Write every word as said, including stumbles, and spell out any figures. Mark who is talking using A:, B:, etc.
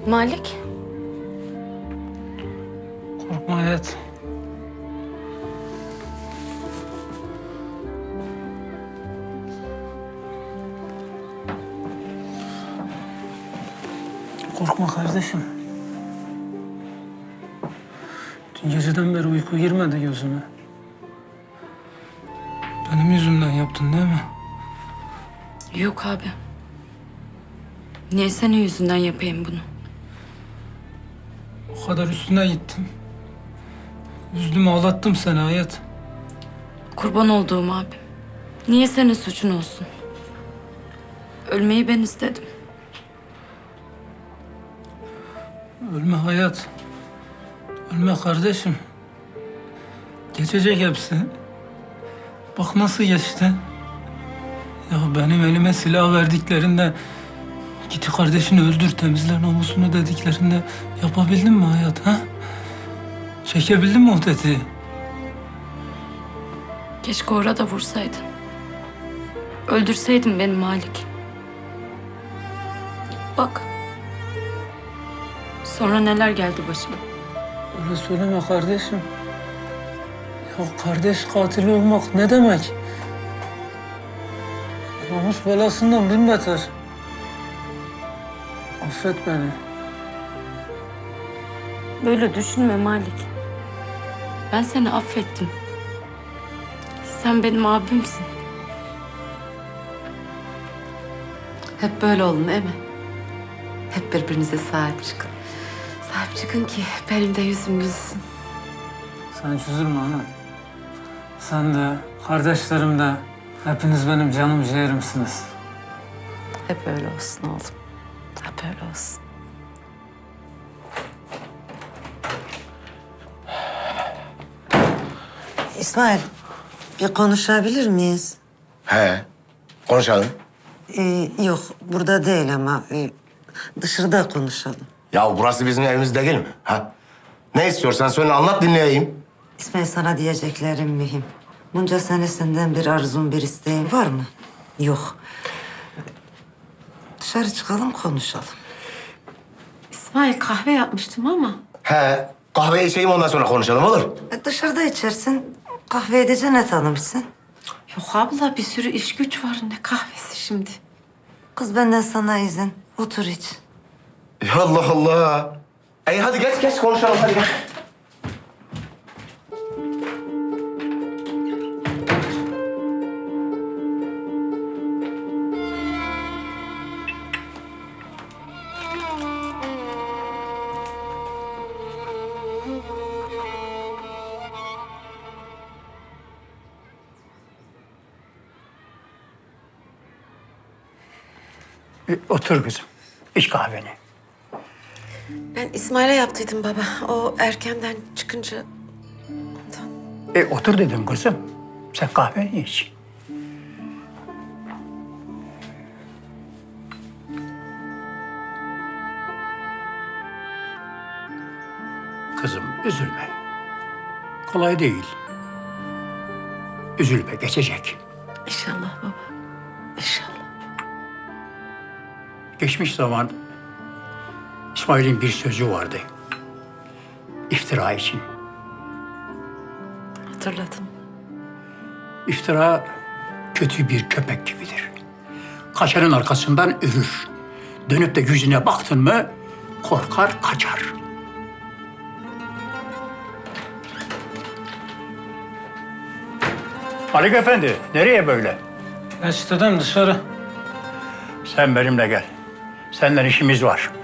A: Malik.
B: Korkma hayat. Korkma kardeşim. Dün geceden beri uyku girmedi gözüme. Benim yüzümden yaptın değil mi?
A: Yok abi. Niye senin yüzünden yapayım bunu?
B: O kadar üstüne gittim. Üzdüm, ağlattım seni hayat.
A: Kurban olduğum abim. Niye senin suçun olsun? Ölmeyi ben istedim.
B: Ölme hayat. Ölme kardeşim. Geçecek hepsi. Bak nasıl geçti. Ya benim elime silah verdiklerinde... Git kardeşini öldür, temizle namusunu dediklerinde... Yapabildin mi hayat ha? Çekebildin mi o tetiği?
A: Keşke orada vursaydın. Öldürseydin beni Malik. Bak. Sonra neler geldi başıma.
B: Öyle söyleme kardeşim. Ya kardeş katili olmak ne demek? Namus belasından bin beter. Affet beni.
A: Böyle düşünme Malik. Ben seni affettim. Sen benim abimsin.
C: Hep böyle olun değil mi? Hep birbirinize sahip çıkın. Sahip çıkın ki benim de yüzüm gülsün.
B: Sen hiç üzülme ana. Sen de, kardeşlerim de, hepiniz benim canım ciğerimsiniz.
C: Hep öyle olsun oğlum. Hep öyle olsun.
D: İsmail, bir konuşabilir miyiz?
E: He, konuşalım.
D: Ee, yok, burada değil ama e, dışarıda konuşalım.
E: Ya burası bizim evimiz değil mi? Ha? Ne istiyorsan söyle, anlat dinleyeyim.
D: İsmail, sana diyeceklerim mühim. Bunca sene senden bir arzun, bir isteğin var mı? Yok. Dışarı çıkalım, konuşalım.
C: İsmail kahve yapmıştım ama.
E: He, kahve içeyim ondan sonra konuşalım olur.
D: E, dışarıda içersin, kahve edece ne tanımışsın?
C: Yok abla bir sürü iş güç var. Ne kahvesi şimdi?
D: Kız, benden sana izin. Otur iç.
E: Ya Allah Allah. Ey hadi geç geç konuşalım hadi gel.
F: E, Otur kızım. İç kahveni.
C: Ben İsmail'e yaptıydım baba. O erkenden çıkınca ondan.
F: E, otur dedim kızım. Sen kahveni iç. Kızım üzülme. Kolay değil. Üzülme, geçecek.
C: İnşallah baba. İnşallah.
F: Geçmiş zaman İsmail'in bir sözü vardı. İftira için.
C: Hatırladım.
F: İftira kötü bir köpek gibidir. Kaçanın arkasından ürür. Dönüp de yüzüne baktın mı korkar kaçar. Haluk Efendi, nereye böyle?
B: Geç dedem dışarı.
F: Sen benimle gel. Senden işimiz var.